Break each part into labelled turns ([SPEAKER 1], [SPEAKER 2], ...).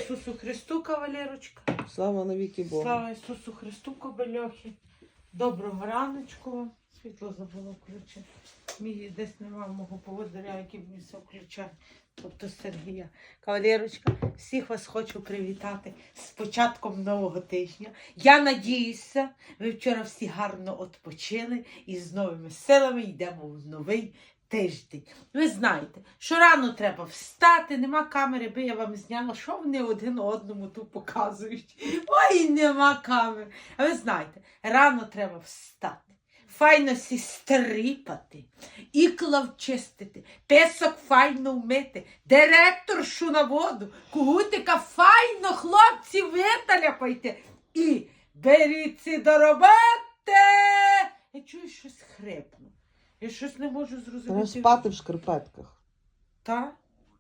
[SPEAKER 1] Ісусу Христу, кавалерочка.
[SPEAKER 2] Слава навіки Богу.
[SPEAKER 1] Слава Ісусу Христу, кобельохи. Доброго раночку вам. Світло забуло включити. Мій десь немає мого поводиря, який мені все включає. Тобто Сергія. Кавалерочка, всіх вас хочу привітати з початком нового тижня. Я надіюся, ви вчора всі гарно відпочили і з новими силами йдемо в новий тиждень. Ви знаєте, що рано треба встати, нема камери, би я вам зняла, що вони один одному тут показують. Ой, нема камери. А ви знаєте, рано треба встати. Файно сі стріпати, ікла вчистити, песок файно вмити, директоршу на воду, кугутика файно, хлопці, виталяпайте і беріться до роботи. Я чую, щось хрипну. Я щось не можу
[SPEAKER 2] Треба
[SPEAKER 1] зрозуміти.
[SPEAKER 2] спати в шкарпетках.
[SPEAKER 1] Так?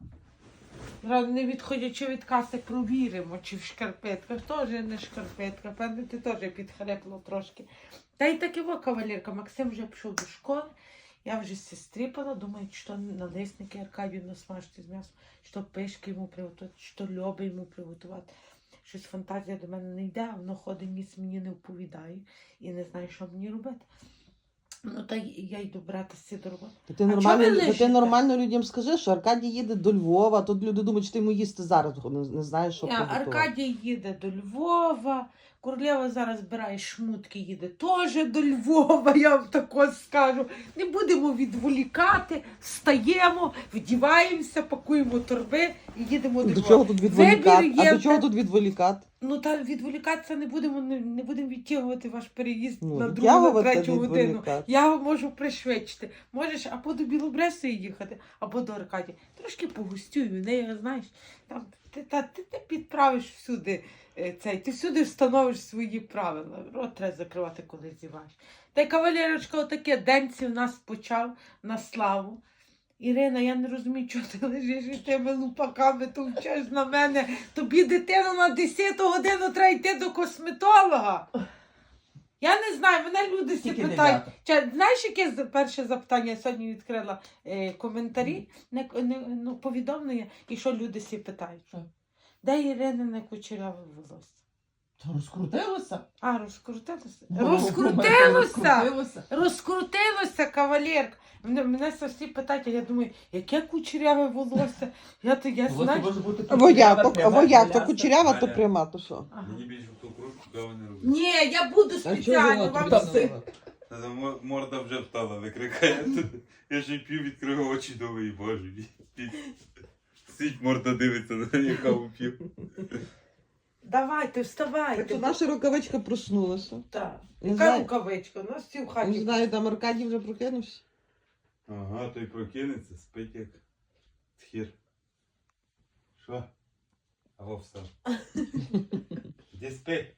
[SPEAKER 1] Не відходячи від каси, провіримо, чи в шкарпетках. Теж не шкарпетка, певно, ти теж підхрепло трошки. Та й таки во, кавалерка, Максим вже пішов до школи, я вже стріпала, думаю, що налисники Аркадію насмажити з м'ясом, що пишки йому приготувати, що льоби йому приготувати. Щось фантазія до мене не йде, а воно ходить, ніс мені не вповідає і не знаю, що мені робити. Ну, та я йду братися до роботи.
[SPEAKER 2] Ти нормально людям скажи, що Аркадій їде до Львова, тут люди думають, що ти йому їсти зараз не знаєш, що приготувати.
[SPEAKER 1] Аркадій їде до Львова, Королева зараз збирає шмутки, їде теж до Львова, я вам тако скажу. Не будемо відволікати, встаємо, вдіваємося, пакуємо торби і їдемо до Львова.
[SPEAKER 2] До чого тут відволікати? А до чого тут відволікати?
[SPEAKER 1] Ну, та відволікатися не будемо відтягувати ваш переїзд на другу, на третю годину. Я можу пришвидшити. Можеш або до Білобресої їхати, або до Аркадія. Трошки погостюю, не знаєш, там, ти підправиш всюди ти всюди встановиш свої правила. Рот треба закривати, коли зіваєш. Та й кавалерочка, отаке, денці у нас почав на славу. Ірина, я не розумію, чого ти лежиш і тими лупаками товчеш на мене. Тобі дитину на 10-ту годину треба йти до косметолога. Я не знаю, мене люди всі питають. Знаєш, яке перше запитання? Я сьогодні відкрила коментарі, повідомлення, і що люди всі питають. Де Іринине кучеряве волосся?
[SPEAKER 3] Та розкрутилося?
[SPEAKER 1] А, розкрутилося?
[SPEAKER 3] Розкрутилося.
[SPEAKER 1] Розкрутилося, кавалерка. Мене всі питають, а я думаю, яке кучеряве волосся? Я знаю.
[SPEAKER 2] Вояк, то кучерява, то пряма, то що?
[SPEAKER 4] Мені більше в ту кружку каву не робить.
[SPEAKER 1] Ні, я буду спеціально вам все.
[SPEAKER 4] Морда вже встала, викрикає. Я ще п'ю, відкрию очі, думаю, боже. Сидь, морда дивиться, на я каву п'ю.
[SPEAKER 1] Давайте, вставайте.
[SPEAKER 2] Так що наша рукавичка проснулася.
[SPEAKER 1] Так.
[SPEAKER 2] Не
[SPEAKER 1] Яка
[SPEAKER 2] знаю.
[SPEAKER 1] рукавичка? У нас всі в хаті.
[SPEAKER 2] Не знаю, там Аркадій вже прокинувся.
[SPEAKER 4] Ага, той прокинеться, спить як тхір. Що? Аго, встав. Де спить?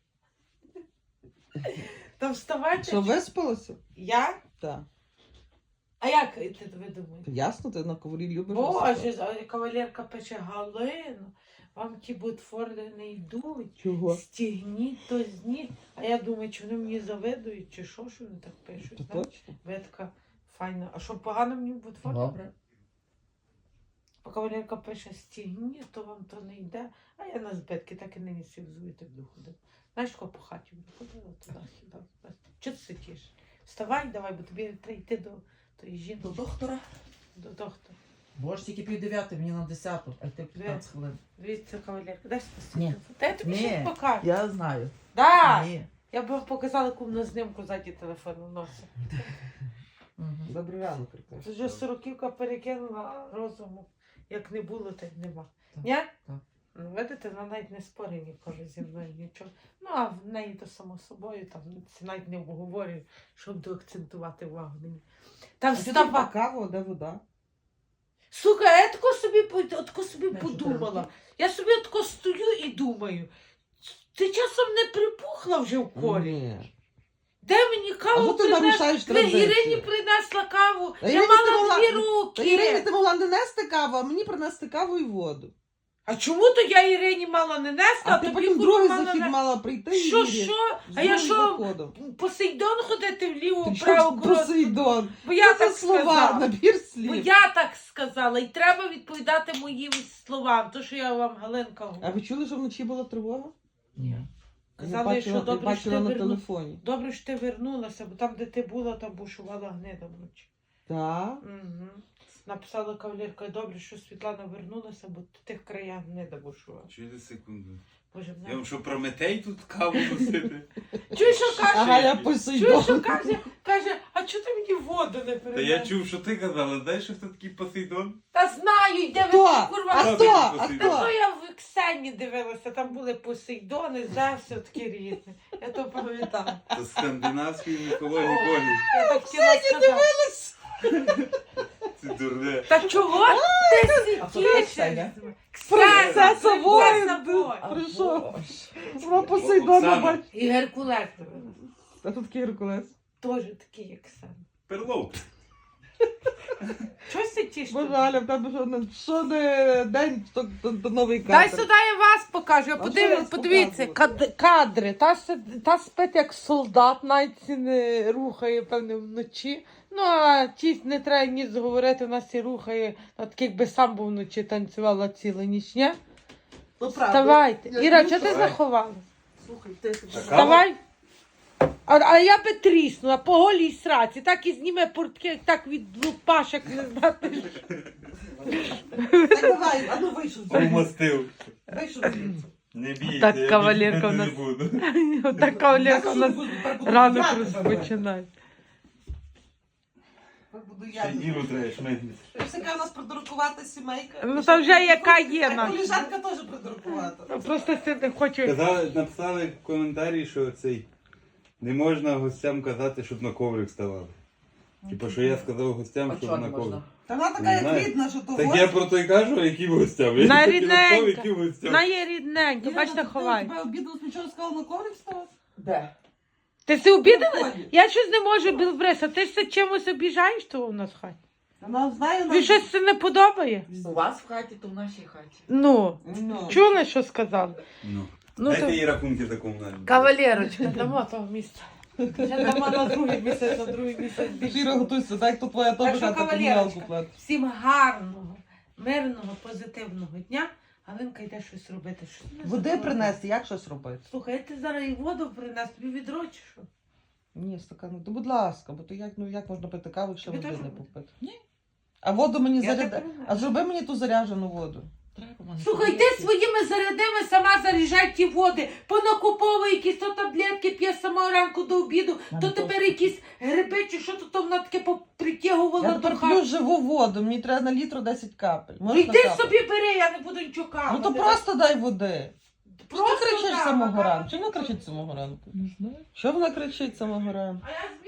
[SPEAKER 1] Та вставайте.
[SPEAKER 2] Що, виспалася?
[SPEAKER 1] Я?
[SPEAKER 2] Так.
[SPEAKER 1] А як ви думаєте?
[SPEAKER 2] Ясно, ти на коврі любиш.
[SPEAKER 1] Боже, кавалерка пише: Галину, вам ті ботфорди не йдуть.
[SPEAKER 2] Чого?
[SPEAKER 1] Стігніть, то зніть. А я думаю, чи вони мені завидують, чи що вони так пишуть.
[SPEAKER 2] Та
[SPEAKER 1] знаєш?
[SPEAKER 2] точно.
[SPEAKER 1] Ви така файна. А що погано мені в ботфорді?
[SPEAKER 3] Добре.
[SPEAKER 1] А кавалерка пише: стігніть, то вам то не йде. А я на збитки так і нині всі взую, так доходив. Знаєш, кого по хаті ходила туди-сюди. Чого ти сидиш? Вставай, давай, бо тобі треба йти до тої жінки.
[SPEAKER 3] До доктора?
[SPEAKER 1] До доктора.
[SPEAKER 3] Боже, тільки 9:30, мені на 10-ту, а йти 15 хвилин.
[SPEAKER 1] Дивіться, кавалерка, дай спасибо.
[SPEAKER 3] Ні.
[SPEAKER 1] Та я тобі щось покажу.
[SPEAKER 3] Я знаю.
[SPEAKER 1] Да.
[SPEAKER 3] Ні.
[SPEAKER 1] Я б вам показала кумну знімку ззаді телефону носить.
[SPEAKER 2] Добрий ранок, Аркадій.
[SPEAKER 1] Це вже 40-ка перекинула розуму. Як не було, так нема.
[SPEAKER 3] Так.
[SPEAKER 1] Ні?
[SPEAKER 3] Так.
[SPEAKER 1] Ну, видите, вона навіть не спорить ніколи зі мною нічого. Ну, а в неї то само собою, там це навіть не обговорюю, щоб доакцентувати увагу на ній. Там встава.
[SPEAKER 2] Кава, де вода?
[SPEAKER 1] Сука, я тако собі подумала. Я собі тако стою і думаю. Ти часом не припухла вже в колі?
[SPEAKER 2] Ні.
[SPEAKER 1] Де мені
[SPEAKER 2] А
[SPEAKER 1] каву
[SPEAKER 2] що ти нарушаєш традицію?
[SPEAKER 1] Ірині принесла каву.
[SPEAKER 2] Та
[SPEAKER 1] Я
[SPEAKER 2] Ірині
[SPEAKER 1] мала
[SPEAKER 2] ти
[SPEAKER 1] 2
[SPEAKER 2] Та Ірині
[SPEAKER 1] руки.
[SPEAKER 2] ти могла не нести каву, а мені принести каву і воду.
[SPEAKER 1] А чому то я Ірині мала не нести,
[SPEAKER 2] А ти
[SPEAKER 1] тобі
[SPEAKER 2] потім
[SPEAKER 1] курва
[SPEAKER 2] другий
[SPEAKER 1] мала
[SPEAKER 2] захід
[SPEAKER 1] не...
[SPEAKER 2] мала прийти і
[SPEAKER 1] Що,
[SPEAKER 2] Ірі
[SPEAKER 1] що?
[SPEAKER 2] з
[SPEAKER 1] А я
[SPEAKER 2] другим
[SPEAKER 1] що,
[SPEAKER 2] заходом.
[SPEAKER 1] Посейдон ходити вліво,
[SPEAKER 2] Ти
[SPEAKER 1] вправо,
[SPEAKER 2] що
[SPEAKER 1] коротко?
[SPEAKER 2] Посейдон?
[SPEAKER 1] Бо я
[SPEAKER 2] Що за
[SPEAKER 1] так
[SPEAKER 2] слова,
[SPEAKER 1] сказала.
[SPEAKER 2] набір
[SPEAKER 1] Бо
[SPEAKER 2] слів.
[SPEAKER 1] я так сказала, і треба відповідати моїм словам, то, що я вам, Галинка,
[SPEAKER 2] А
[SPEAKER 1] говорю.
[SPEAKER 2] ви чули, що вночі була тривога?
[SPEAKER 3] Ні.
[SPEAKER 1] Казали, що добре, що
[SPEAKER 2] бачила
[SPEAKER 1] ти
[SPEAKER 2] на
[SPEAKER 1] вернула.
[SPEAKER 2] телефоні.
[SPEAKER 1] Добре, що ти вернулася, бо там, де ти була, там бушувала гнида вночі.
[SPEAKER 2] Так.
[SPEAKER 1] Угу. Написала кавалерка, добре, що Світлана вернулася, бо в тих краях гнида бушувала.
[SPEAKER 4] Чуєте секунду?
[SPEAKER 1] Боже,
[SPEAKER 4] Я
[SPEAKER 1] мене...
[SPEAKER 4] вам що, Прометей тут каву носити?
[SPEAKER 1] Чуєш, що
[SPEAKER 2] А
[SPEAKER 1] каже?
[SPEAKER 2] Галя
[SPEAKER 1] Чуєш,
[SPEAKER 2] Посейдон.
[SPEAKER 1] що каже, а чого ти мені воду не
[SPEAKER 4] Та
[SPEAKER 1] передаєш?
[SPEAKER 4] я чув, що ти казала, знаєш, що хто такий Посейдон?
[SPEAKER 1] Та знаю, йде ви
[SPEAKER 2] Хто?
[SPEAKER 1] курва.
[SPEAKER 2] А
[SPEAKER 4] Хто
[SPEAKER 2] хто?
[SPEAKER 4] такий
[SPEAKER 2] А
[SPEAKER 4] Посейдон?
[SPEAKER 1] Та то
[SPEAKER 2] хто?
[SPEAKER 1] я в Ксені дивилася, там були Посейдони, Зевси, такі різні. Я то пам'ятаю.
[SPEAKER 4] Це скандинавської міфології Богів.
[SPEAKER 1] Я так хотіла сказати.
[SPEAKER 4] Це дурне.
[SPEAKER 1] Та чого ти
[SPEAKER 3] А хто така
[SPEAKER 1] сидиш?
[SPEAKER 3] Ксеня?
[SPEAKER 2] Принцеса воїн.
[SPEAKER 1] воїн.
[SPEAKER 2] Прийшов. Вона Посейдона
[SPEAKER 4] Оксана.
[SPEAKER 2] бачить.
[SPEAKER 1] І Геркулес дивилася.
[SPEAKER 2] А тут такий Геркулес.
[SPEAKER 1] Теж такий, як сам.
[SPEAKER 4] Перлов.
[SPEAKER 1] Чого ти тішиш?
[SPEAKER 2] Боже, Галя, в тебе що не день, то новий кадр.
[SPEAKER 1] Дай сюди я вас покажу.
[SPEAKER 2] що я
[SPEAKER 1] Подивіться,
[SPEAKER 2] показую?
[SPEAKER 1] кадри. Та спить як солдат, навіть не рухає, певне, вночі. Ну, а ті не треба ні говорити, у нас і рухає, так якби сам був вночі танцювала цілу ніч, ні?
[SPEAKER 2] Ну, правда.
[SPEAKER 1] Вставайте.
[SPEAKER 2] Я
[SPEAKER 1] Іра,
[SPEAKER 2] не
[SPEAKER 1] чого ти
[SPEAKER 4] вставай.
[SPEAKER 1] заховалась?
[SPEAKER 2] Слухай, ти
[SPEAKER 1] Вставай. А я би тріснула по голій сраці, так і зніме портки, так від лупашок не знати.
[SPEAKER 2] Так давай, а ну вийшов.
[SPEAKER 4] Помастив.
[SPEAKER 2] Вийшов звідси.
[SPEAKER 4] Не бійся,
[SPEAKER 1] Так,
[SPEAKER 4] я
[SPEAKER 1] кавалерка
[SPEAKER 4] більше
[SPEAKER 1] в нас-
[SPEAKER 4] не буду.
[SPEAKER 1] Така Олега у нас ранок
[SPEAKER 2] Я
[SPEAKER 1] розпочинає.
[SPEAKER 2] буду
[SPEAKER 4] Ще
[SPEAKER 2] я.
[SPEAKER 4] Іру треба шмигнути.
[SPEAKER 2] Ось яка у нас придуркувата сімейка.
[SPEAKER 1] Ну, та вже яка є
[SPEAKER 2] А
[SPEAKER 1] наша.
[SPEAKER 2] коліжанка теж придуркувата.
[SPEAKER 1] Просто це не хочу.
[SPEAKER 4] Казали, написали в коментарі, що цей не можна гостям казати, щоб на коврик ставали. Типу, що я сказав гостям,
[SPEAKER 3] А
[SPEAKER 4] щоб
[SPEAKER 3] чого
[SPEAKER 4] на
[SPEAKER 3] не
[SPEAKER 4] коврик.
[SPEAKER 3] можна?
[SPEAKER 2] Та вона
[SPEAKER 4] Не
[SPEAKER 2] така як
[SPEAKER 4] знаю.
[SPEAKER 2] рідна, що то
[SPEAKER 4] Так я про то й кажу, яким гостям. Я
[SPEAKER 1] На
[SPEAKER 4] так і
[SPEAKER 1] рідненька.
[SPEAKER 4] написав, яким гостям.
[SPEAKER 1] Вона є рідненька, бачите, ховай.
[SPEAKER 2] Тебе обіду нічого не сказала на коврик став?
[SPEAKER 3] Де?
[SPEAKER 1] Ти си обідала?
[SPEAKER 2] Виходить.
[SPEAKER 1] Я щось не можу, Білбреса, ти ж це чимось обіжаєш того у нас в хаті?
[SPEAKER 2] Вона знає,
[SPEAKER 1] Тобі щось це не подобає?
[SPEAKER 3] У вас в хаті, то в нашій хаті.
[SPEAKER 1] Ну,
[SPEAKER 2] Ну.
[SPEAKER 1] чули, що сказали?
[SPEAKER 4] Ну.
[SPEAKER 1] Ну,
[SPEAKER 4] Дайте
[SPEAKER 1] то...
[SPEAKER 4] їй рахунки за комунальні.
[SPEAKER 1] Кавалерочка, дамо того місця. Ще дамо на другий місяць, на другий місяць
[SPEAKER 2] Шіра,
[SPEAKER 1] більше.
[SPEAKER 2] готуйся, так то твоя
[SPEAKER 1] Так
[SPEAKER 2] теж
[SPEAKER 1] що,
[SPEAKER 2] хата
[SPEAKER 1] кавалерочка,
[SPEAKER 2] комуналку платить.
[SPEAKER 1] всім гарного, мирного, позитивного дня. Галинка йде щось робити. Що ти не
[SPEAKER 2] Води
[SPEAKER 1] забула?
[SPEAKER 2] принести, як щось робити?
[SPEAKER 1] Слухай, я ти зараз і воду принес, тобі відро чи що?
[SPEAKER 2] Ні, стакан, то будь ласка, бо то як можна пити каву, якщо
[SPEAKER 1] Тобі
[SPEAKER 2] води
[SPEAKER 1] теж
[SPEAKER 2] не
[SPEAKER 1] робити?
[SPEAKER 2] попити?
[SPEAKER 3] Ні.
[SPEAKER 2] А воду мені
[SPEAKER 1] Я
[SPEAKER 2] заряди.
[SPEAKER 1] так роблю.
[SPEAKER 2] А зроби мені ту заряджену воду.
[SPEAKER 3] Треба мене
[SPEAKER 1] Слухай, ти
[SPEAKER 3] подивитися.
[SPEAKER 1] своїми зарядами сама заряджай ті води, понакуповує якісь то таблетки, п'є з самого ранку до обіду,
[SPEAKER 3] Мене
[SPEAKER 1] то
[SPEAKER 3] теж.
[SPEAKER 1] тепер якісь гриби чи що то вона таке
[SPEAKER 2] Я
[SPEAKER 1] попритягувала до
[SPEAKER 2] тепер
[SPEAKER 1] хати.
[SPEAKER 2] п'ю живу воду, мені треба на літру 10 капель.
[SPEAKER 1] Ну
[SPEAKER 2] Можна
[SPEAKER 1] йди
[SPEAKER 2] капати?
[SPEAKER 1] собі бери, я не буду нічого
[SPEAKER 2] Ну
[SPEAKER 1] капати.
[SPEAKER 2] то просто дай води. Що ти кричиш
[SPEAKER 1] да,
[SPEAKER 2] самого
[SPEAKER 1] капати.
[SPEAKER 2] ранку? Чому вона кричить самого ранку?
[SPEAKER 3] Не знаю.
[SPEAKER 2] Що вона кричить самого ранку?
[SPEAKER 1] А я